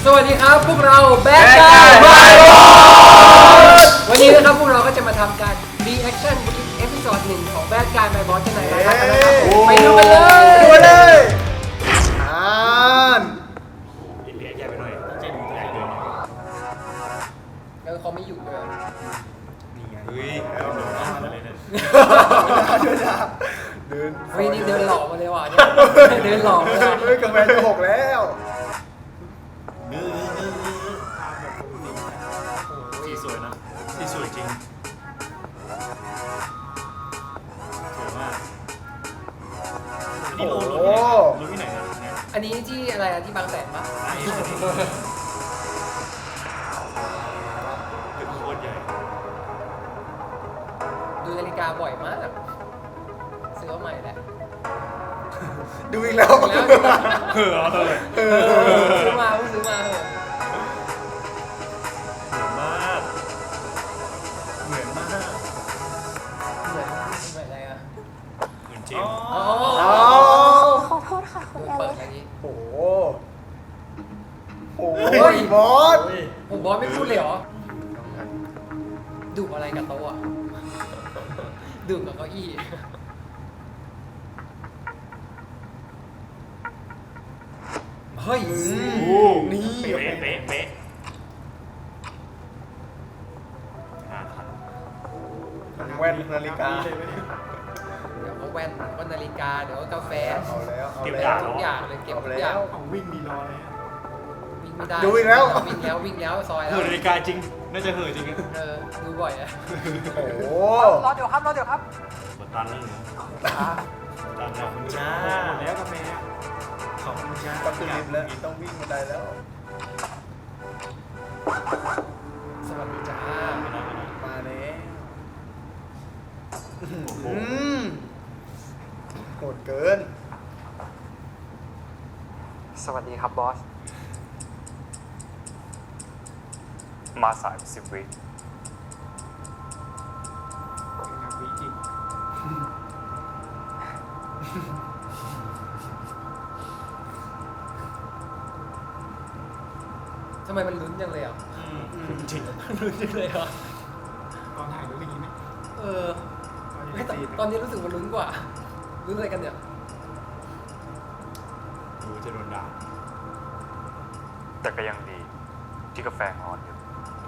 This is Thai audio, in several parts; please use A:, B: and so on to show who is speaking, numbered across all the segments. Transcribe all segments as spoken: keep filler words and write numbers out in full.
A: สวัสดีครับพวกเราแบดกายบายบอสวันนี้นะครับพวกเราก็จะมาทำการ reaction เอพิโซดหนึ่งของแบดกายบายบอสกันหน่อยนะครับไปดูกันเลย
B: ดูเลยอ่าน
C: อินเดียแย่ไปหน่อยเจนใหญ่เกิน
A: แล้วเขาไม่อยู่ด้วย
C: นี่ไงเฮ้ยแล้วโดนมาเลยเนี่ย
B: เดิน
A: เฮ้ยนี่เดินหลอกมาเลยว่ะเนี่ยเดินหลอกเลย
B: เฮ้ยกาแฟจะหกแล้ว
C: นื้อนื้อนื้อสีสวยนะสีสวยจริงสวยมากนี่โลโลที่ไหนโลที่ไหนนะเนี่ย
A: อันนี้ที่อะไรอะที่บางแสนปะ
C: ไอ้เป็นโคตรใหญ่
A: ดูนาฬิกาบ่อยมากซื้อมาใหม่แหละ
B: ดูอีกแล้ว
C: เออเอาเลย
A: ซื้อมาซื้อมาเหอะ
C: เหมือนมากเหมือนมาก
A: เหมือนเหมือนอะไรอะ
C: เหมือนจริง
A: อ๋อ
D: ขอโทษค่ะคุณแอ
A: เปิด
D: ลิ
A: อันนี้
B: โอ้โหโอ้ยบอส
A: โอ้บอสไม่พูดเลยเหรอดุอะไรกับโต๊ะอะดุกับเก้าอี้เฮ้ย
B: นี่
C: เป๊ะเป๊ะเป๊ะ
B: แว่นนาฬิกา
A: เดี๋ยวก็แว่นก็นาฬิกาเดี๋ยวก็กาแฟ
B: เอาแล้วเอา
C: เก็บ
B: แล้ว
A: ทุกอย่างเลยเก็บทุกอย่าง
C: ของวิ่งมีรอเลย
A: วิ่งไม่ได้
B: ดูอีกแล้ว
A: วิ่งแล้ววิ่งแล้วซอยแล้ว
C: เห่อนาฬิกาจริงน่าจะเห่อจริง
A: เออดูบ่อยอะ
B: โอ้โห
A: รอเดี๋ยวครับรอเดี๋ยวครับ
C: กดตันแล้วหนูตันแล้วคุณจ้าหมดแล้วกาแฟขอบคุณจ้า
B: ต้องขึ้นลิฟต์แล้วต้องวิ่งบันไดแล้ว
A: สวัสดีจ้า
B: มาแล้วอืมโหดเกิน
E: สวัสดีครับบอส มาสายสิบวิ
C: วิจริง
A: ทำไมมันลุ้นจังเลยอ่ะ
C: จริง
A: ลุ้นจังเลยอ่ะ
C: ตอนถ่ายรู้อย่างนี้ไหม
A: เออตอนนี้รู้สึกมันลุ้นกว่าลุ้นอะไรกันเนี่ย
C: ดูจะโดนด่า
E: แต่ก็ยังดีที่กาแฟงอนอยู่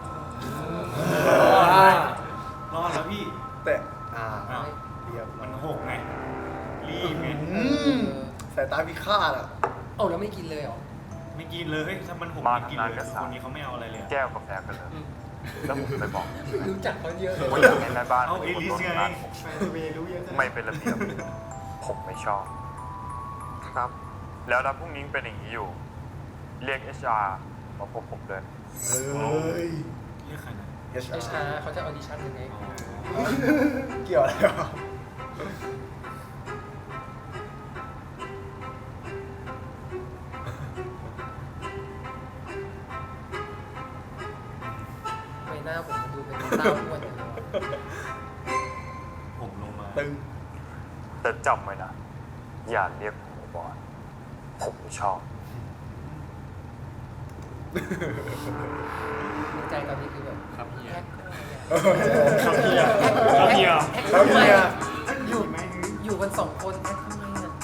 C: รอดแล้วพี่
B: แต่อ่า
C: อ้าว
B: เรียบ
C: มันหกไงรีบไง
B: อืมสายตาพิฆาตอ่ะ
A: เอ้าแล้วไม่กินเลยเหรอ
C: ไม่กินเลยถ้ามันหกไม่กินเลยคนนี้เขาไม่เอาอะไรเลย
E: แก้วกาแฟกันเลย แล้วผมไปบอก
A: รู้จักเขาเยอะเลย
E: ว่าอยากให้แม่บ้าน
C: เอาเอลิสไง
E: ไม่เป็นระเบียบผมไม่ชอบ ครับ แล้วถ้าพรุ่งนี้เป็นอย่างนี้อยู่ เรียก เอช อาร์ มาพบผมเลย
B: เฮ้ย
C: เรียกใครนะ
A: เอชอาร์เขาจะออดิชั่นยังไง
B: เกี่ยวอะไรวะ
A: ไม่หน้าผมดูเป็นตาอ้วนอย่างเงี้ย
C: ผมลงมา
B: ตึง
E: แต่จำไว้นะ อย่าเรียกผมว่าบอสผมไม่ชอบ
A: ในใจตอนนี้คือแบบครับเฮีย
C: ครับเฮียครับเฮีย
B: แล้วเนี่ย
A: อยู่อยู่กันสองคนแอคทำไมอ่ะ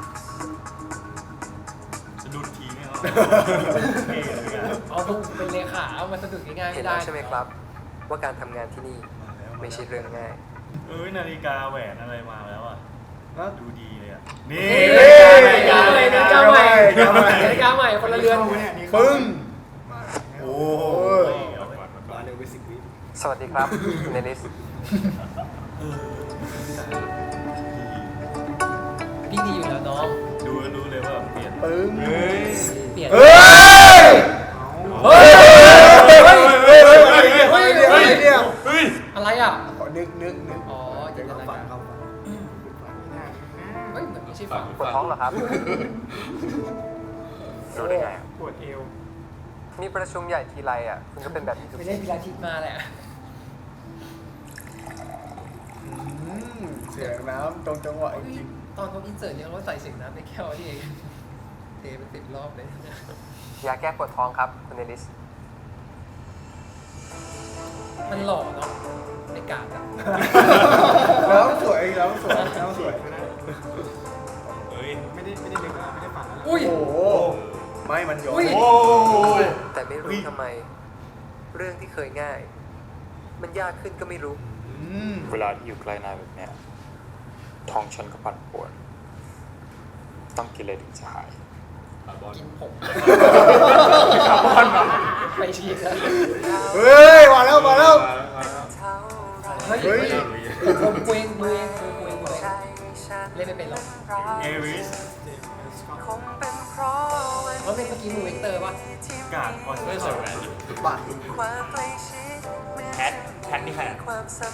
C: สะดุดทีเนี่ยเราเท่เลยกัน
A: เอาพวกเป็นเลขาเอามาสะดุดง่ายๆ
F: เห็
A: ไม่
F: น
A: ได้
F: แล้วใช่ไหมครับ ว่าการทำงานที่นี่ไม่ใช่เรื่องง่าย
C: เอ้ยนาฬิกาแหวนอะไรมาแล้วอ่ะดูดีเลยอ่ะนี่
A: นาฬิกาใหม่นาฬิกาใหม่นาฬิกาใหม่คนละเรือน
B: ปึ้งโอ้ย
C: มาเร็วไปสิบวิ
F: สวัสดีครับเนลิส
A: พี่ดีอยู่แล้วน้อง
C: ดูก็รู้เลยว่าเปลี่ยน
B: ปึ้ง
C: เฮ้ย
A: เปลี่ยน
B: เฮ้ย
A: เฮ้ย
B: เฮ้ยเฮ้ยเฮ้ยเฮ้ยเฮ้ยเนี่ย
C: เฮ้ย
A: อะไรอ่ะ
B: ขอนึกนึกนึก
A: อ๋อจินตนาการเฮ้ยเหมือนไม่ใช่ฝั่ง
F: ปวดท้องเหรอครับ รู้ได้ไงอะ
C: ปวดเอว
F: มีประชุมใหญ่ทีไรอ่ะ คุณก็เป็นแบบนี้ทุก
A: ไม่
F: ที
A: ได้พิลาทิสมาแหละ
B: เสียงน้ำตรงจังหวะจริง
A: ตอนเขาอินเสิร์ตเนี่ยเขาใส่เสียงน้ำในแก้วนี่เองเทเป็นสิบรอบเลย
F: ยาแก้ปวดท้องครับคุณเอลิส
A: มันหล่อเนาะไอ้กาดอะ
B: แล้วสวยแล้วสวยแล้วสวย
C: เฮ้ยไม่ได้ไม่ได้นึกไม่ได้ฝัน
A: อุ้ย
B: โอ้โหไม่มันย้อน
A: อุ้ย
C: โอ้ย
F: แต่ไม่รู้ทำไม เรื่องที่เคยง่าย มันยากขึ้นก็ไม่รู้
B: อืม
E: เวลาที่อยู่ใกล้นายแบบเนี้ยท้องฉันก็ปั่นป่วน ต้องกินอะไรถึงจะหาย
A: กินผมไปฉีกแล้ว
B: เฮ้ยมาแล้วมาแล้ว
A: เฮ้ย
B: เฮ้ย
A: ผมเกวงเกวงเกวงเกวงเล่นไม่เป็นหรอก
C: เอริส
A: ว่าเป็นเมื่อกี้มูเวกเตอร์ป่ะ
C: กาดคอนเสิร์ตแหวน
B: บัตร
C: แพทแพทนี่ใครอ่ะ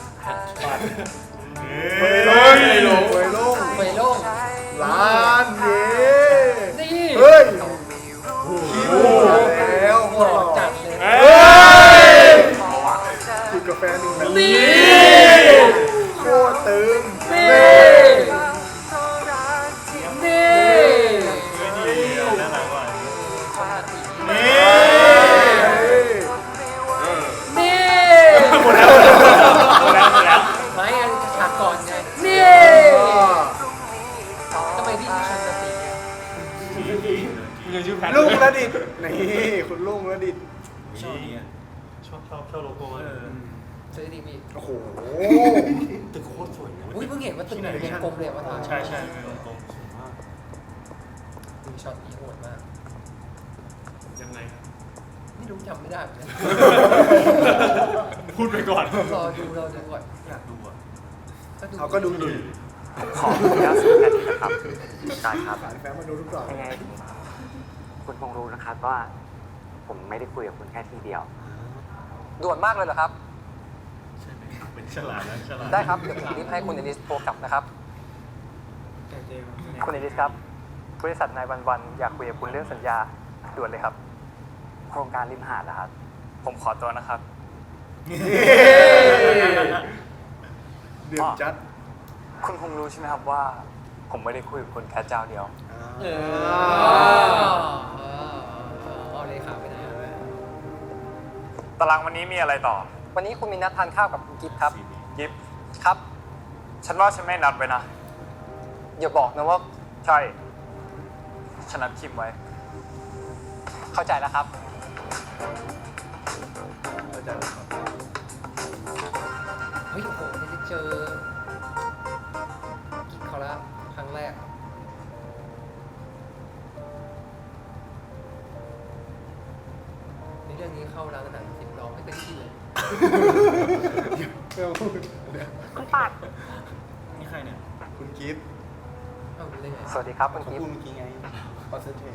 B: เฮ้ยลงเฮ้ยลงเฮ้ยลง
A: เฟยโล่ง
B: ล้านเย้
A: นี่
B: เฮ้ยคิวแล้ว
A: หล่อจัดเลย
B: เฮ้ยกินกาแฟหนึ่งแบบ
A: นี่
B: โคตรตึง
A: นี่ นี่
C: เฮ้ยดีน่ารักว่ะ
B: นี่
A: นี่
C: หมดแล้วหมดแล้วหมดแล้ว
A: ไม่อันฉากก่อนไง นี่ทำไมพี่ชนสติเนี่ย
C: มึงยังชื่อแพท
B: ลุงระดิษฐ์นี่คุณลุงระดิษฐ์
C: ชอบเนี่ยชอบชอบชอบโลโก้เออ
A: ซื้อดีพี่
B: โอ้โห
C: ตึกโคตรสวยเลย
A: อุ้ยเพิ่งเห็นว่าตึกไหนเป็นกลมเลยว่าทาง
C: ใช่ใช่เป็นวงกลม
A: ดูช็อตนี้โหดมาก
C: ยังไง
A: ไม่รู้จำไม่ได้เหมือนกัน
C: พูดไปก่อน
A: รอดูรอดูก่อน
C: อยากดูอ่ะ
B: เขาก็ดูอยู่
F: ขออนุญาตซื้อแผ่นนี้นะครับได้ครับ
B: สายแฟนมาดูทุกกล่อง
G: ยังไงคุณคงรู้นะครับว่า ผมไม่ได้คุยกับคุณแค่ทีเดียว
F: ด่วนมากเลยเหรอครับ
C: ใช่ไหมเป็นฉลาดนะฉลาด
F: ได้ครับ เดี๋ยวผมรีบให้คุณเอลิสโทรกลับนะครับ คุณเอลิสครับ บริษัทนายวันวันอยากคุยกับคุณเรื่องสัญญาด่วนเลยครับ
G: โครงการริมหาดนะครับ
E: ผมขอตัวนะครับ
B: เดือดจัด
E: คุณคงรู้ใช่ไหมครับว่า ผมไม่ได้คุยกับคุณแค่เจ้าเดียว
A: เออเอาเลยค่ะไปไหน
E: ตารางวันนี้มีอะไรต่อ
F: วันนี้คุณมีนัดทานข้าวกับคุณกิฟต์ครับ
E: ยิบ
F: ครับ
E: ฉันว่าฉันไม่นัดไว้นะ
F: อย่าบอกนะว่า
E: ใช่ ฉันนัดคิมไว้
F: เข้าใจแล้วครับ
A: เฮ้ยโอ้โหได้เจอกิ๊กเขาละครั้งแรก ในเรื่องนี้เข้าร้านอาหารสิบร้องไม่เป็นที่เลย
B: ไม่ต้องพูดเดี๋ยว
D: คุณปัด
C: นี่ใครเนี่ย
B: คุณกิฟต์
A: เอาเรื่องไง
F: สวัสดีครับคุณ
B: เขา
F: กิฟ
B: พูด
F: ต์
B: เมื่อกี้ไงคอนเซนเทรต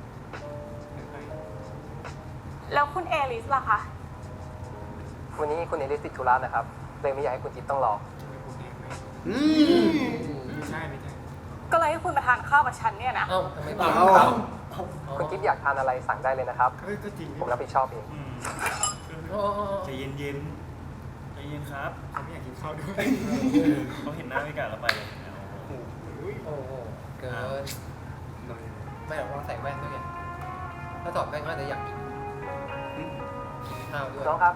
D: แล้วคุณเอลิสล่ะคะ
F: วันนี้คุณเอลิสติดธุระนะครับเลยไม่อยากให้คุณกิฟต์ต้องรอ
B: อืม
C: ไม่ใช่ไม่ใช่
D: ก็เลยให้คุณมาทานข้าวกับฉันเนี่ยนะ
A: เอ้าทำไมบ้า
B: เอา
F: คุณกิฟต์อยากทานอะไรสั่งได้เลยนะครับ
C: เฮ้ยก็จริง
F: ผมรับผิดชอบเอง
C: อืม
A: อ๋อ
C: ใจเย็นเย็นใจเย็นครับเขาไม่อยากกินข้าวด้วยเขาเห็นหน้าไม่กล้าเราไปเลย
A: โอ้โหเกินไม่หรอกเราใส่แว่นด้วยไงถ้าถอดแว่นก็อาจจะอยากกินกินข้าวด้วย
F: น้องครับ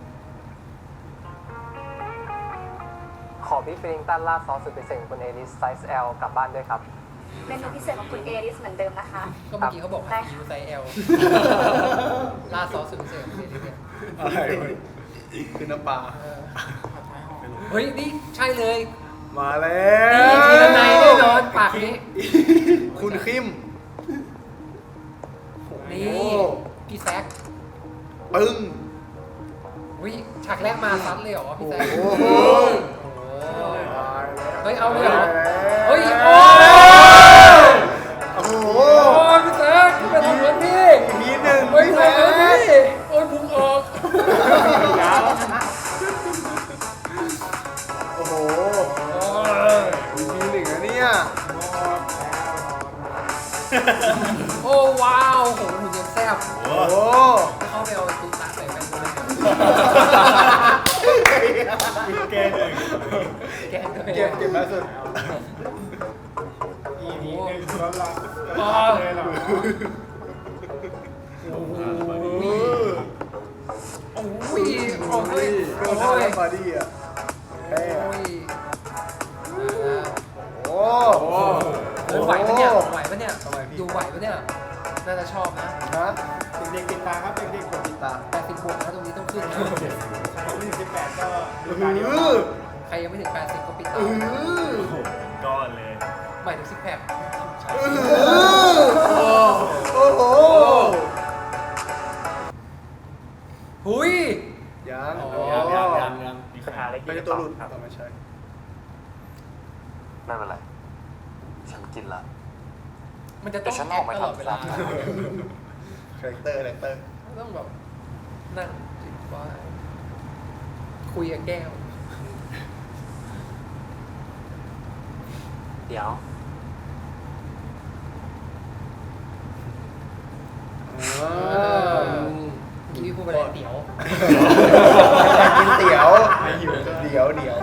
F: ขอพี่ฟริงตันราดซอสสุดพิเศษคุณเอลิสไซส์ L กลับบ้านด้วยครับ
D: เมนูพิเศษของคุณเอลิสเหมือนเดิมนะคะ
A: ก็เมื่อกี้เขาบอกให้คิวไซส์ L ลาดซอสสุดพิเศษของเดลิเนี่ย
B: อะไรวะคือน้ำปลา
A: เออเฮ้ย นี่ใช่เลย
B: มาแล้
A: นี่
B: ว
A: ทีละในแน่นอนปากนี้
B: คุณคิม
A: นี่
B: โอ้
A: พี่แซค
B: ปึ้ง
A: วิฉากแรกมาซัดเลยเหรอพี่แซค
B: โอ้โห
A: โอ้โห
B: ตายแล้ว
A: เฮ้ย เอาเลยเหรอ เฮ้ย โอ้
B: โอ้โห
A: โอ้พี่แซคพี่เป็นทำเหมือนพี่
B: มีหนึ่ง
A: เฮ้ยทำเหมือนพี่โอ้ยพุงออก
B: โอ้โห
A: โอ้ย
B: มีหนึ่งนะเนี่ย
A: โอ้ว้าวโหหุ่นยังแซ่บ
B: โอ้โห
A: เข้าไปเอาตูตาใส่แว่นด้วย
C: แก้เลย
A: แกนด้วย
B: เก็บเก็บมาสุด
A: โอ้โห
B: แล้วล่ะ
A: อ๋อ
B: เลยเหรอ
A: โอ้โห
B: โอ้
A: โอ้ยโอ้ย
B: โดน
A: โอ้ย
B: บอดี้อ่ะแม่
A: โอ้ย
B: โอ้
A: เฮ้ยไหวปะเนี่ยไหวปะเนี่ยดูไหวปะเนี่ยน่าจะชอบนะ
B: ฮะเด็กๆติดตาครับเด็กๆกดติดตาม
A: แปดสิบบวกนะตรงนี้ต้องขึ้นนะ
B: ใครไม่ถึงสิบแปดก็ดูตาเดียว
A: ใครยังไม่ถึงแปดสิบก็ปิด
B: เอ
A: ตา
B: อ
C: โอ้โหเป็นก้อนเลย
A: หมายถึงซิกแพค
B: โอ้โห
A: หุย
B: ยัง
A: อ๋อ
C: ยังยังยังยังมีคาถาเล็ก
B: ไม่ใช่ตัวหลุดครับไม่ใช่
E: ไม่เป็นไร ฉันกินละ
A: มันจะต้อง
E: เดี๋ยวฉันออกมา
A: ตลอด
E: ทำ
A: เวลา
E: ตาม
B: คาแรคเตอร์คาแรคเตอร์
A: ต้องแบบนั่งจิบไว้คุยกับแก้ว
G: เดี๋ยว
A: กินพี่พูดไปเลยเดี๋ยว
B: กินเตี๋ยวเดี๋ยวเดี๋ยว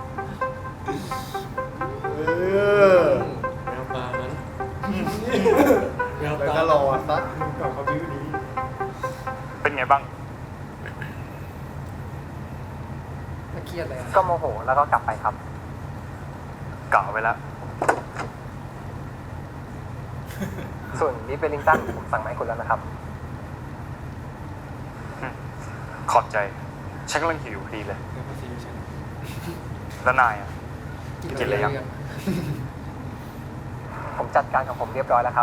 B: เออ
C: แววตานั้นแวว
B: แล้ว
C: ตา
B: ก็รอสักก่อนเขาบิ้วนี้
E: เป็นไงบ้าง
A: ถ้าเครียดเลยอะ
F: ก็โมโหแล้วก็กลับไปครับ
E: กะไว้แล้ว
F: ส่วนบีฟเวลลิงตันผมสั่งมาให้คุณแล้วนะครับ
E: ขอบใจ ฉันกำลังหิวพอดีเลย แล้วนายอ่ะ กินอะไรยัง
F: ผมจัดการของผมเรียบร้อยแล้วครับ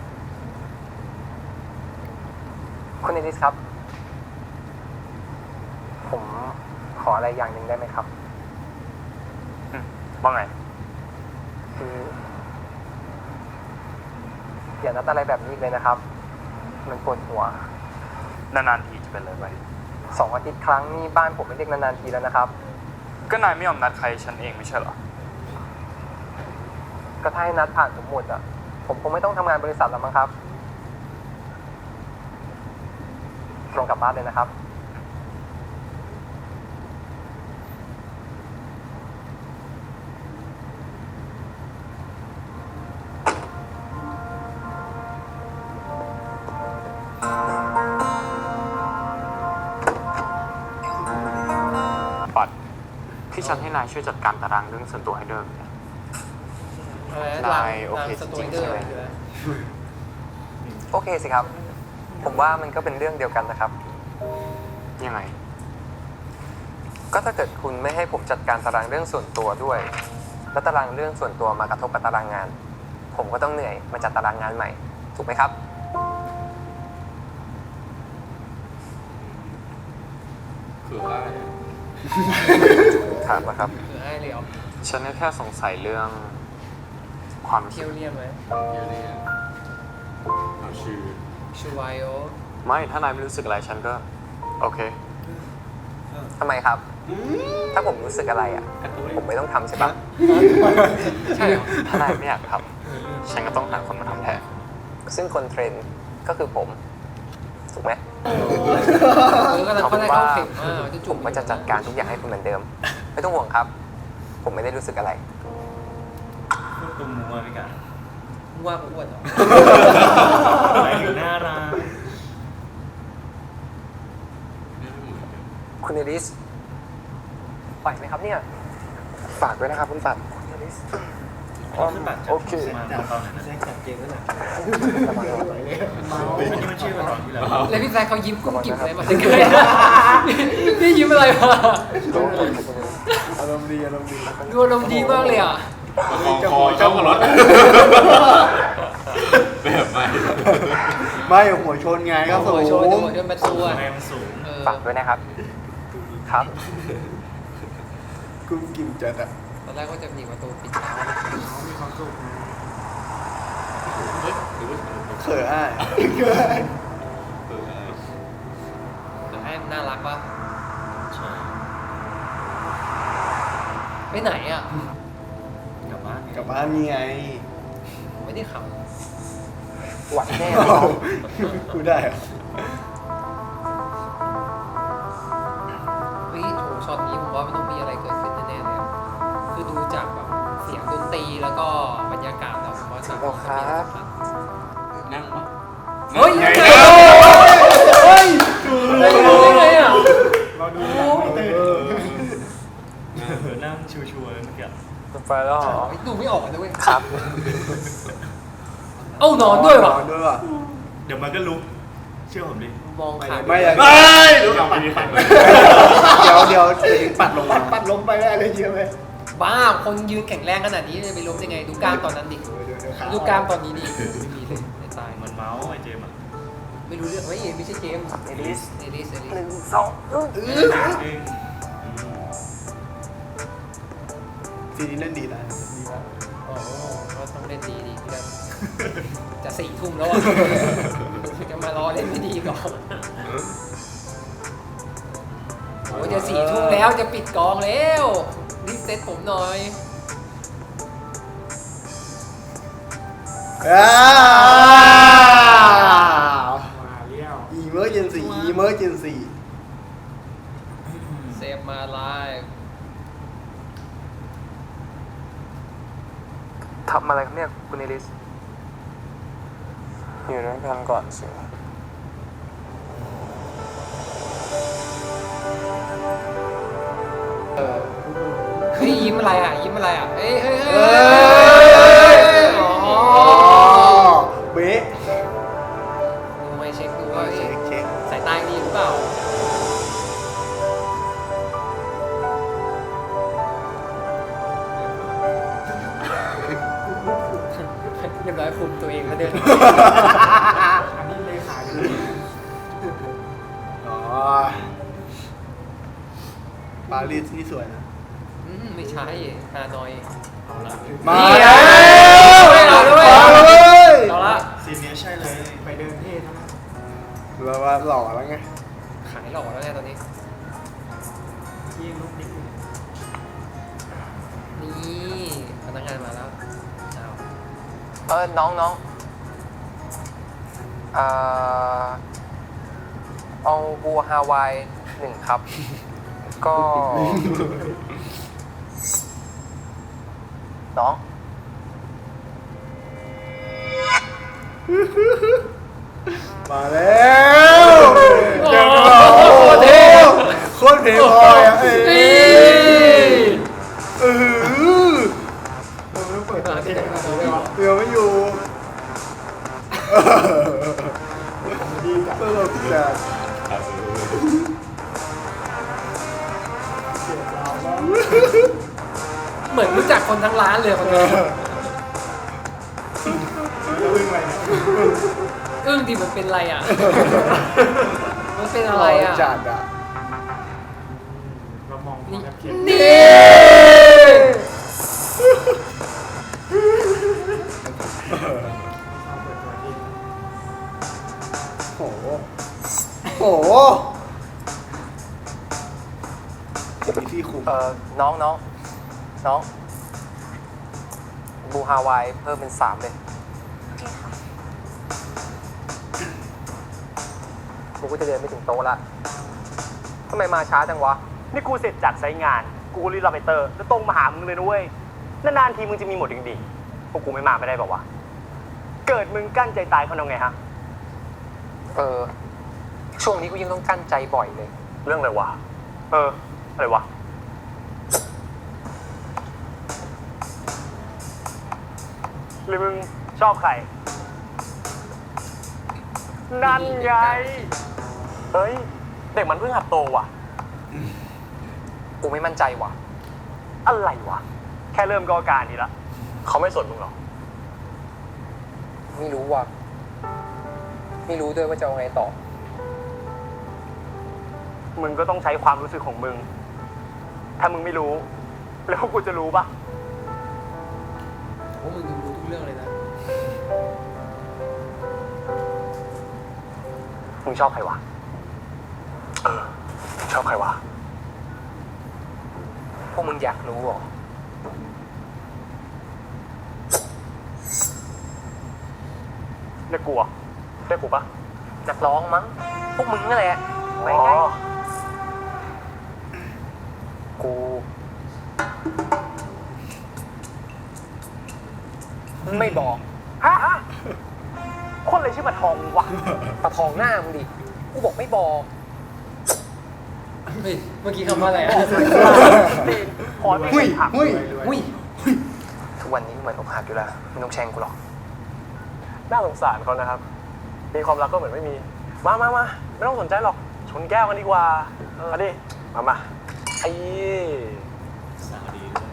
F: คุณเอลิสครับ ผมขออะไรอย่างหนึ่งได้ไหมครับ
E: อืมว่าไง
F: คืออย่านัดอะไรแบบนี้อีกเลยนะครับ มันปวดหัว
E: นานๆทีจะเป็นเลยไป
F: สองอาทิตย์ครั้งนี่บ้านผมไม่เรียกนานๆทีแล้วนะครับ
E: ก็นายไม่ยอมนัดใครฉันเองไม่ใช่เหรอ
F: ก็ถ้าให้นัดผ่านผมหมดอ่ะ ผมคงไม่ต้องทำงานบริษัทแล้วมั้งครับ ตรงกลับบ้านเลยนะครับ
G: ปัด ที่ฉันให้นายช่วยจัดการตารางเรื่องส่วนตัวให้เดิมเนี่ย
A: อะไรนะ
G: นายโอเค
A: สตู
G: จริงๆ
A: เดอ
G: ใช่ไหม
A: คืออะไร
F: โอเคสิครับ ผมว่ามันก็เป็นเรื่องเดียวกันนะครับ
G: ยังไง
F: ก็ถ้าเกิดคุณไม่ให้ผมจัดการตารางเรื่องส่วนตัวด้วย แล้วตารางเรื่องส่วนตัวมากระทบกับตารางงาน ผมก็ต้องเหนื่อยมาจัดตารางงานใหม่ ถูกไหมครับ
C: คืออะไร
F: ถามนะครับ
A: คือให้เลยเหรอ
G: ฉันก็แค่สงสัยเรื่องความ
A: เที่ยวเรียมไหม
C: เดี๋ยวนี้เอาชื่อ
A: ชูไวโอ
G: ไม่ ถ้านายไม่รู้สึกอะไรฉันก็ โอเค
F: ทำไมครับ ถ้าผมรู้สึกอะไรอ่ะ ผมไม่ต้องทำใช่ปะ
A: ใช่เหรอ
G: ถ้านายไม่อยากทำฉันก็ต้องหาคนมาทำแทน
F: ซึ่งคนเทรนก็คือผม ถูกไหม
A: เออก็จะ
F: เอา
A: เขา
F: เป็
A: ได้
F: นว่า
A: เข้าเข็มอ่ะจะ
F: ผ
A: จุ่ม
F: มก็จะจัดการทุกอย่างให้คุณเหมือนเดิม ไม่ต้องห่วงครับ ผมไม่ได้รู้สึกอะไร
C: พูดตุ้มมัวไปกัน
A: ว่ากูอ้วนเหรอ
C: ไปถึงหน้าร้าน
F: คุณเอลิสไหวไหมครับเนี่ย ฝากด้วยนะครับคุณปัดคุณเอลิส
C: โอเคมาตอนนั้นแซกจัดเกมแล้วนะอันนี้มันชื่อมาตอนที่แล้ว
A: แล้วพี่แซคเขายิ้มกุ้มกิ่มเลยมาสักเลยนี่ยิ้มอะไรมา
B: อารมณ์ดีอารมณ์ดี
A: ดูอารมณ์ดีมากเลยอ่ะ
C: คอเจ้ากับรถแบบใหม่
B: ไม่หัวชนไงก็สู
A: หัว
B: ง
A: โชว์หัวโชว์ประตูอ่ะ
C: แรงมันสูง
A: เออ
F: ฝากด้วยนะครับ ครับ
B: กุ้งกิ่มจัดอ่ะ
A: ตอนแรกก็จะหนีประตูปิดเท้า
B: เขินอ่ะ
A: แต่ให้มันน่ารักปะ
C: ใช่
A: ไปไหนอ่ะ
C: กลับบ้าน
B: กลับบ้านนี่ไง
A: ผมไม่ได้ขับ
F: หวัดแน่
B: อ้าวกูได้เหรอ
A: เฮ้ยโถช็อตนี้ผมว่ามันต้องมีอะไรเกิดขึ้นแน่ๆเลยอะคือดูจากแบบเสียงดนตรีแล้วก็บรรยากาศแล้วผมว่าจะ
B: เอาครับ
C: นั่งปะ
A: เฮ้ยยังไงเฮ้ยไม่รู้ได้ไงอ่ะ
C: เราดูหลังไม่ตื่นเออนั่งชัวร์ๆเมื่อกี้
F: ไปแล้วเหรอ
A: ดูไม่ออกนะเว้ย
F: ครับ
A: เอ้านอนด้วยว่ะ
B: นอนด้วยว่ะ
C: เดี๋ยวมันก็ลุกเชื่อผมดิ
A: มองขาด
B: ไม่อะ
C: เฮ้ยลุกเอาไปดิปัด
B: เดี๋ยวเดี๋ยวเดี๋ยวปัดลงปัดปัดลงไปได้เลยเยอะไหม
A: บ้าคนยืนแข็งแรงขนาดนี้จะไปล้มยังไงดูกล้ามตอนนั้นดิ
B: เดี๋ยวเดี๋ยวขา
A: ดูกล้ามตอนนี้ดิไม่มีเลยไม่ตาย
C: มันเมาส์ไอ้เจมส์อ่ะ
A: ไม่รู้เรื่องเฮ้ยไม่ใช่เกม
F: เอลิส
A: เอลิสเอลิส
F: หนึ่งสอง
A: เออ
C: เอง
B: ซีนี้เล่นดีนะดีมาก
A: อ๋อก็ต้องเล่นดีดีพี่ดำจะสี่ทุ่มแล้วอ่ะจะมารอเล่นไม่ดีก่อนโอ้ยจะสี่ทุ่มแล้วจะปิดกองแล้วรีบเซ็ตผมหน่อย
B: อ้าว
C: มาเลี้ยว
B: emergency emergency
A: เซฟมาไลฟ์
F: ทำอะไรครับเนี่ยคุณเอลิส อยู่ด้วยกันก่อนสิ
A: เฮ้ยยิ้มอะไรอ่ะยิ้มอะไรอ่ะเฮ้ยเฮ้ยเฮ้
B: เอ้
A: ย
B: ย
A: อ๋อ
B: อ๋อเบ๊ะ
A: ดูไม่เช็คดูว่า
B: เช็คเช็ค
A: สายตาดีหรือเปล่าเรียบร้อยคุมตัวเองแล้วเดิน
C: อันนี้เลขาอยู่
B: อ๋อปารีสที่สวยนะ
A: อืมไม่ใช่ฮานอย
C: เอาละ
B: มา
A: นี่ไง
B: แล้ว
A: เอาด้วย
B: มาเลย
A: เอาละ
C: ซีนเนี้ยใช่เลยไปเดินเท่ทั้งนั้น
B: เราว่าหล่อแล้วไง
A: ขายหล่อแล้วไงตอนนี้
C: ยิ่งลุกนิดนึง
A: นี่พนักงานมาแล้วเอา
F: เออ น้องน้องเอ่อเอาบัวฮาวายหนึ่งครับ ก็ น้อง
B: มาแล้วเดี๋ยวก่อนโอ้โหโคตรเพลย์บอยอ่ะเอ้ยเออ
A: เปิดตาที่ไหนมาดูได้วะ
B: เดี๋ยวไม่อยู่ดีจังตลกจัง
A: เหมือนรู้จักคนทั้งร้านเลยคนนี้อึ้งดิมันเป็นอะไรอ่ะ มันเป็นอะไรอ่ะ
B: จัดอ่ะ
C: เรามอง
A: นี่
C: แอปเขียน
A: นี่
B: โอ้โหโอ้โหมีที่คุม
F: เอ่อ น้องน้องน้องบูฮาวายเพิ่มเป็นสามเลยกูก็จะเดินไม่ถึงโต๊ะละทำไมมาช้าจังวะ
H: นี่กูเสร็จจากไซต์งาน กูรีบรับไปเตอร์ แล้วตรงมาหามึงเลยนะเว้ย นานๆทีมึงจะมีหมดดีๆพวกกูไม่มาไม่ได้บอกว่าวะเกิดมึงกั้นใจตายเขาทำไงฮะ
F: เออ ช่วงนี้กูยังต้องกั้นใจบ่อยเลย
H: เรื่องอะไรวะ เออ อะไรวะ หรือมึงชอบใคร นั่นไง เฮ้ย เด็กมันเพิ่งหัดโตว่ะ
F: กูไม่มั่นใจว่ะ
H: อะไรวะ แค่เริ่มก็อาการนี้ละ เขาไม่สนมึงหรอ
F: ไม่รู้ว่ะ ไม่รู้ด้วยว่าจะเอาไงต่อ
H: มึงก็ต้องใช้ความรู้สึกของมึง ถ้ามึงไม่รู้ แล้วกูจะรู้ปะ
A: โอ้มึงดูรู้ทุกเรื่องเลยนะ
H: มึงชอบใครวะ เออ ชอบใครวะ
F: พวกมึงอยากรู้เหรอ
H: เรียกกูเหรอเรียกกูปะ
F: นักร้องมั้ง พวกมึงนั่นแหละไปไง
H: อ๋อ
F: กู ไม่บอก
H: อะไรชื่อปลาทองวะ
F: ปะทองหน้ามึงดิ กูบอกไม่บอก
A: เฮ้ยเมื่อกี้คำว่าอะไรอะ
H: ตีนขอไม่
B: หุ้ย
H: ผัก
B: หุ้ย
A: อุ้ย
F: ทุกวันนี้เหมือนอกหักอยู่แล้วไม่ต้องแช่งกูหรอก
H: น่าสงสารเขานะครับ มีความรักก็เหมือนไม่มี มามามาไม่ต้องสนใจหรอก ชนแก้วกันดีกว่าเอาดิ มามาไอ้
C: สาวดีด้วย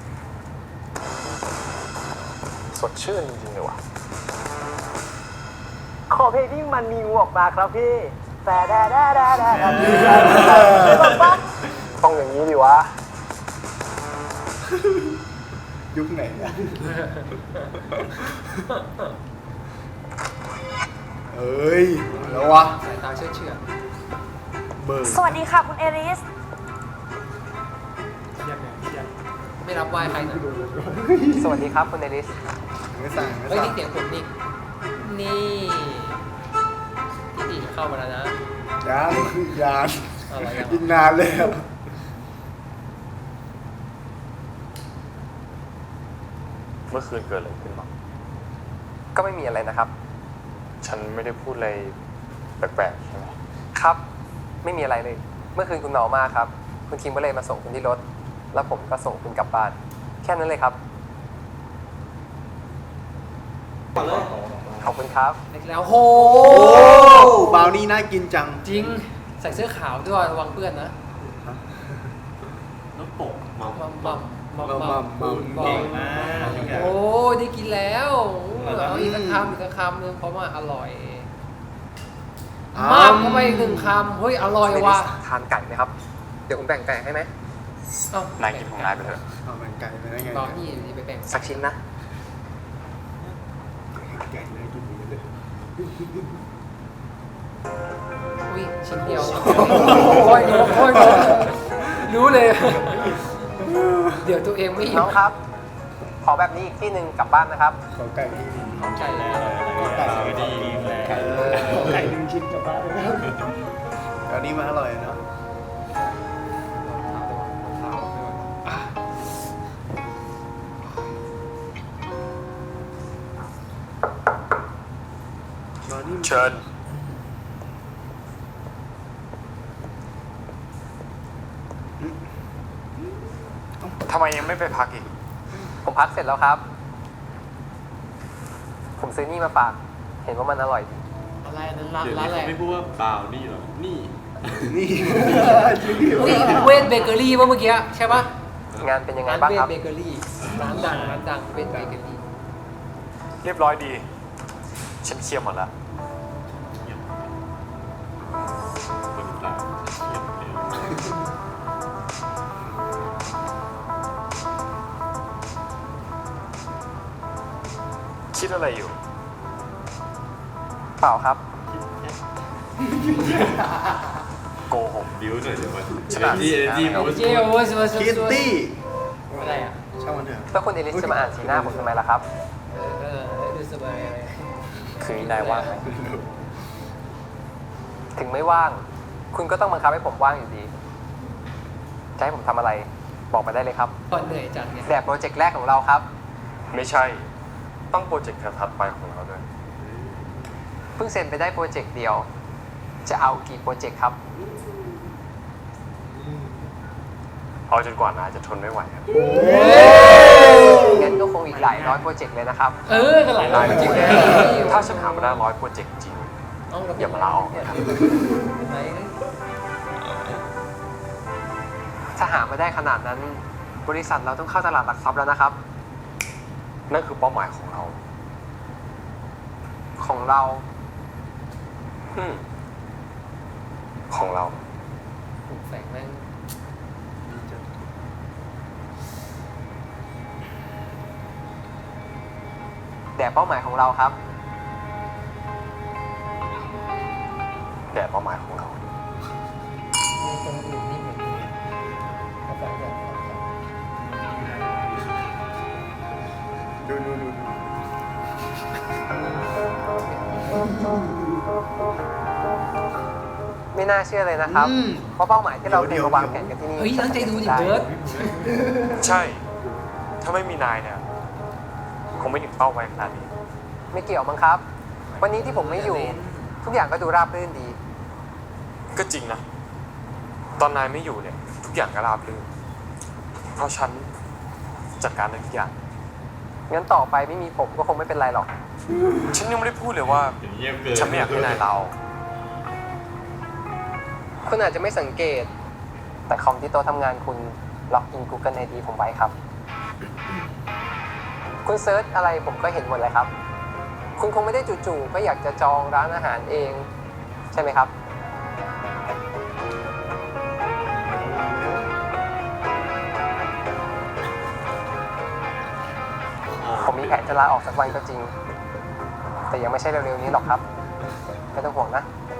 H: สดชื่นจริงๆเลยว่ะ ขอเพลงที่มันมีงูออกมาครับพี่แต่แด่แด่แด่แด่ต้องอย่างนี้ดิวะ
B: ยุคไหนอะเอ้ยแล้ววะ
A: สายตาเชื่อเชื่อ
B: เบิร์
D: สวัสดีค่ะคุณเอริส
C: เทียบเนี่ยเทียบ
A: ไม่รับไหว้ใครนะ
F: สวัสดีครับคุณเอลิส
B: ไม่สั่งไม่
A: เฮ้ย
B: สั่ง
A: นี่เสียงผมนี่นี่พี่ตีจะเข้ามาแล้วนะ
B: ยานยาน
A: อะไรยัง
B: กินนานเลยอะ
E: เมื่อคืนเกิดอะไรขึ้นบ้าง
F: ก็ไม่มีอะไรนะครับ
E: ฉันไม่ได้พูดอะไรแปลกๆใช่ไหม
F: ครับ ไม่มีอะไรเลย เมื่อคืนคุณเมามากครับ คุณคิมก็เลยมาส่งคุณที่รถ แล้วผมก็ส่งคุณกลับบ้าน แค่นั้นเลยครับ ขอบคุณครับ
A: เล็กแล้วโห
B: โอ้บราวนี่น่ากินจัง
A: จริงใส่เสื้อขาวด้วยระวังเปื้อนนะ
C: แล้วปกเมา
A: มัมมัมมัม
B: มั
A: มั
B: ม
A: ม
B: มัม
A: มั
C: เก่ง
A: ม
C: มากพี่แก
A: โอ้ได้กินแล้วเอาอีกสักคำอีกสักคำนึงเพราะว่าอร่อย มากเข้าไปอีกหนึ่งคำเฮ้ยอร่อยว่ะ
F: ทานไก่ไหมครับ เดี๋ยวผมแบ่งไก่ให้ไหม
A: เอ้าน
E: ายกินของนายไปเถอะ
B: เอามันไก่ไปได้ไง
A: ตอนนี้อยู่นี่ไปแบ่ง
F: สักชิ้นนะ
B: ไก่น่ากินเลย
A: อุ้ยชิ้นเดียวโอ้ยโอ้ยโอ้ยโอ้ยรู้เลย เดี๋ยวตัวเองไม่อิ่
F: น้
A: ม
F: องครับ ขอแบบนี้อีกที่หนึ่งกลับบ้านนะครับ
B: ขอไก่ที่นี่
A: ไก่แล้ว
B: ไก่
C: ดีแล้
B: ไก่
C: ว
B: ไก่หนึ่งชิ้นกลับบ้านเลยอันนี้มันอร่อยเนาะ
E: เชิญ ทำไมยังไม่ไปพักอีก
F: ผมพักเสร็จแล้วครับ ผมซื้อนี่มาฝาก เห็นว่ามันอร่อยดี
A: อะไรนั้นร้าน
C: เดี๋ยว
A: ร้าน
C: นี้
A: อะไร
C: เขาไม่พูดว่าเปล่านี่หรอ นี่
B: นี่
A: อุ้ยเวทเบเกอรี่ป่ะเมื่อกี้ใช่ปะ
F: งานเป็นยังไง
A: ร้าน
F: บ้าง
A: เว
F: ค
A: ท
F: รับ
A: เบเกอรี่ร้านดังร้านดังเวทเบเกอรี่
E: เรียบร้อยดี ฉันเคลียร์หมดแล้ว
C: เงียบคนตาเงียบเร็ว
E: คิดอะไรอยู่
F: เปล่าครับ
E: โกหก
C: บิ้วหน่อยเดี๋ยวมัน
E: ฉลาด
C: ดีดีหมด
A: เจ้าโอ้ยสวัสดี
B: คิตตี้
A: อะไรอ่ะ
B: ช่างมันเถอะ
F: แล้วคุณเอลิสจะมาอ่านสีหน้าผมทำไมล่ะครับ
A: เออเออดูสบายอะไร
E: คืนนี้นายว่างไหม
F: ถึงไม่ว่าง คุณก็ต้องบังคับให้ผมว่างอยู่ดี จะให้ผมทำอะไร บอกมาได้เลยครับ
A: ก่อนเหนื่อยจังเนี่ย
F: แบบโปรเจกต์แรกของเราครับ
E: ไม่ใช่ ต้องโปรเจกต์ถัดไปของเราด้วย
F: เพิ่งเซ็นไปได้โปรเจกต์เดียว จะเอากี่โปรเจกต์ครับ
E: เอาจนกว่านายจะทนไม่ไหวครับ
F: งั้นก็คงอีกหลายร้อยโปรเจกต์เลยนะครับ
A: เออก็หลายร้อยจริงๆนะ
E: ถ้าฉันหามาได้ร้อยโปรเจกต์จริง อย่ามาลาออกนะครับ
F: ถ้าหามาได้ขนาดนั้น บริษัทเราต้องเข้าตลาดหลักทรัพย์แล้วนะครับ
E: นั่นคือเป้าหมายของเรา
F: ของเรา
E: อืมของเรา
A: แสงแม่ง
F: แต่เป้าหมายของเราครับ
E: แต่เป้าหมายของเรา
A: ตรงอื่นนี่เหมือนกันเอาแสงแบบ
B: ดูดูดูดู
F: ไม่น่าเชื่อเลยนะครับ
B: อืม
F: เพราะเป้าหมายที่เรา
B: เดี๋
F: เตรีย
B: ย
F: ม
B: ว
F: มาวางแผนกันที่นี่
A: เฮ้ยตั้งใจดูดิเบิร์ด
E: ใช่ ถ้าไม่มีนายเนี่ย คงไม่ถึงเป้าไว้ขนาดนี้
F: ไม่เกี่ยวมั้งครับวันนี้ที่ผมไม่อยู่ ทุกอย่างก็ดูราบรื่นดี
E: ก็จริงนะ ตอนนายไม่อยู่เนี่ย ทุกอย่างก็ราบรื่นเพราะฉันจัดการได้ทุกอย่าง
F: งั้นต่อไปไม่มีผมก็คงไม่เป็นไรหรอก
E: ฉันยังไม่ได้พูดเลยว่า
C: เยี่ยมเกิน
E: ฉันไม่อยากให้นายลาออก
F: คุณอาจจะไม่สังเกต แต่คอมที่โต๊ะทำงานคุณล็อกอิน Google ไอ ดี ผมไว้ครับ คุณเซิร์ชอะไรผมก็เห็นหมดเลยครับ คุณคงไม่ได้จู่ๆก็อยากจะจองร้านอาหารเอง ใช่ไหมครับ ผมมีแผนจะลาออกสักวันก็จริง แต่ยังไม่ใช่เร็วๆนี้หรอกครับ ไม่ต้องห่วงนะ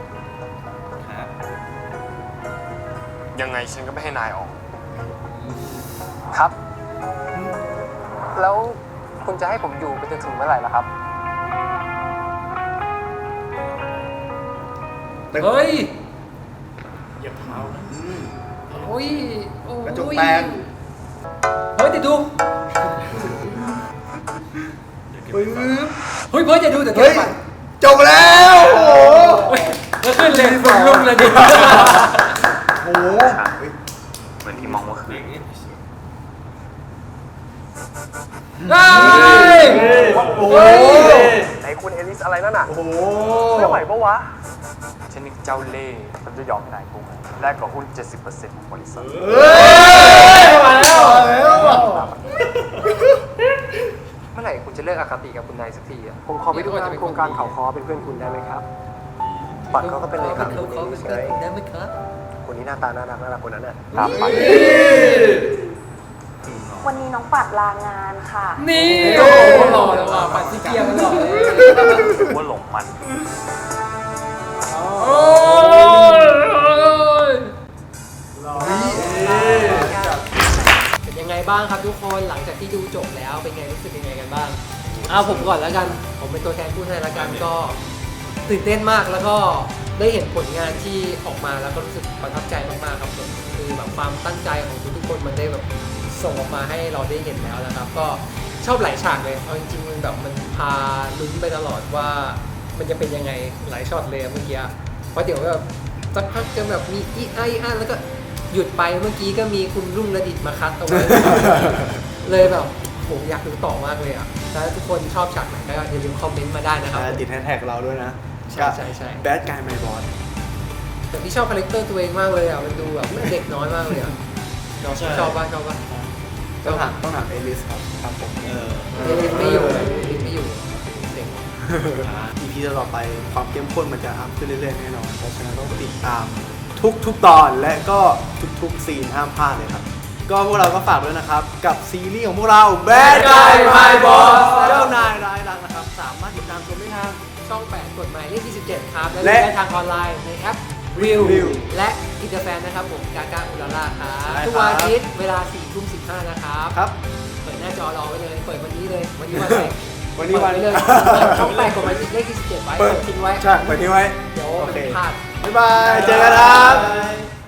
E: ยังไงฉันก็ไม่ให้นายออก
F: ครับ แล้วคุณจะให้ผมอยู่ไปจนถึงเมื่อไหร่ล่ะครับ
A: เฮ้ย
C: เหยียบเท้านะ
A: โอ้ยโอ้ย
B: กระจกแตก
A: เฮ้ยเดี๋ยวดู
B: ปึ๊บ
A: เฮ้ยเพิ่งจะดูแต่เท
B: เฮ้
A: ป
B: ย
A: ก่อน
B: จบแล้วโอ้โห
A: เฮ้ยแล้วขึ้นเลยคุณลุงเลยดิ
B: โอ้โห
G: เหมือนที่มองเมื่อคืน
A: เฮ้ย
B: โอ้โห
H: ไอ้คุณเอลิสอะไรนั่นน่ะ
B: โอ้โห
H: ไม่ไหวปะวะ
E: ฉันนี่เจ้าเล่ห์ฉันจะยอมให้นายกู้เงินแลกกับหุ้น เจ็ดสิบเปอร์เซ็นต์ ของบริษัท
B: เฮ้ยมาแล้วมาแล้ว
F: เมื่อไหร่คุณจะเลิกอคติกับคุณนายสักทีอ่ะ ผมขอไปดูงานโครงการเขาคอเป็นเพื่อนคุณได้ไหมครับ ปัดเขาก็เป็นเลขา
A: เขา
F: คุณเอ
A: เขา
F: ลิ
A: เป็น
F: ส
A: เพื่
F: ไง
A: อนได้ไหมครับ
F: คนนี้หน้าตาน่ารักน่ารักคนนั้นน่ะ
E: ครับไป
D: วันนี้น้องปัดลางานค่ะ
A: นี่โอ้โหหล่อแล้วว่ะปัดสีเกียร์มันหล่อเลย
G: ว่าหลงมัน
A: โอ้ยเป็นยังไงบ้างครับทุกคนหลังจากที่ดูจบแล้วเป็นไงรู้สึกยังไงกันบ้างเอาผมก่อนแล้วกัน ผมเป็นตัวแทนพูดให้แล้วกันก็ตื่นเต้นมากแล้วก็ได้เห็นผลงานที่ออกมาแล้วก็รู้สึกประทับใจมากๆครับผมคือแบบความตั้งใจของทุกๆคนมันได้แบบส่งออกมาให้เราได้เห็นแล้วนะครับ ก็ชอบหลายฉากเลยเอาจริงๆมันแบบมันพาลุ้นไปตลอดว่ามันจะเป็นยังไงหลายช็อตเลยเมื่อกี้เพราะเดี๋ยวแบบสักพักจะแบบมีอีไออันแล้วก็หยุดไปเมื่อกี้ก็มีคุณรุ่งระดิษฐ์มาคัดเอาไว้ เลยแบบผมอยากดูต่อมากเลยอ่ะถ้าทุกคนชอบฉากไหนก็อย่าลืมคอมเมนต์มาได้นะครับ
B: ติดแฮชแท็กเราด้วยนะ
A: ใช่ใช่ใช่
B: แบดกายไมบอส
A: แต่พี่ชอบคาแรคเตอร์ตัวเองมากเลยอ่ะมันดูแบบเด็กน้อยมากเลยอ่ะชอบป่ะชอบป่ะ
B: ต้องถามต้องถามเอลิสครับครับผม
C: เออ
A: เด็กไม่อยู่เด็กไม่อยู่เด็ก
B: อีพีต่อไปความเข้มข้นมันจะอัพขึ้นเรื่อยๆแน่นอนเพราะฉะนั้นต้องติดตามทุกทุกตอนและก็ทุกๆซีนห้ามพลาดเลยครับ ก็พวกเราก็ฝากด้วยนะครับ กับซีรีส์ของพวกเรา Bad Guy My Boss เจ้านายร้ายรักนะครับ สามารถติดตามชมได้ทาง
A: ช่องแปดกฎหมายเลขที่สิบเจ็ดครับ และ
B: และ
A: ได้ทางออนไลน์ในแอป Real
B: Real
A: และอินเตอร์แฟนนะครับผมกากาอุลาล่าครับ
B: ใช่ครับ
A: ทุกวันอาทิตย์เวลาสี่ทุ่มสิบห้านะครับ
B: ครับ
A: เปิดหน้าจอรอไว้เลย เปิดวันนี้เลย วันนี้วันอะไร
B: วันนี้วัน
A: เปิดไเลยช่องแปดกฎหมายเลขที่สิบเจ็ดไว้
B: เปิด
A: เปิดทิ้งไว้
B: ใช่เปิดทิ้งไว้
A: เดี๋ยว
B: โอ
A: มัน
B: เค
A: พลาด
B: บ๊ายบาย เจอกันครับ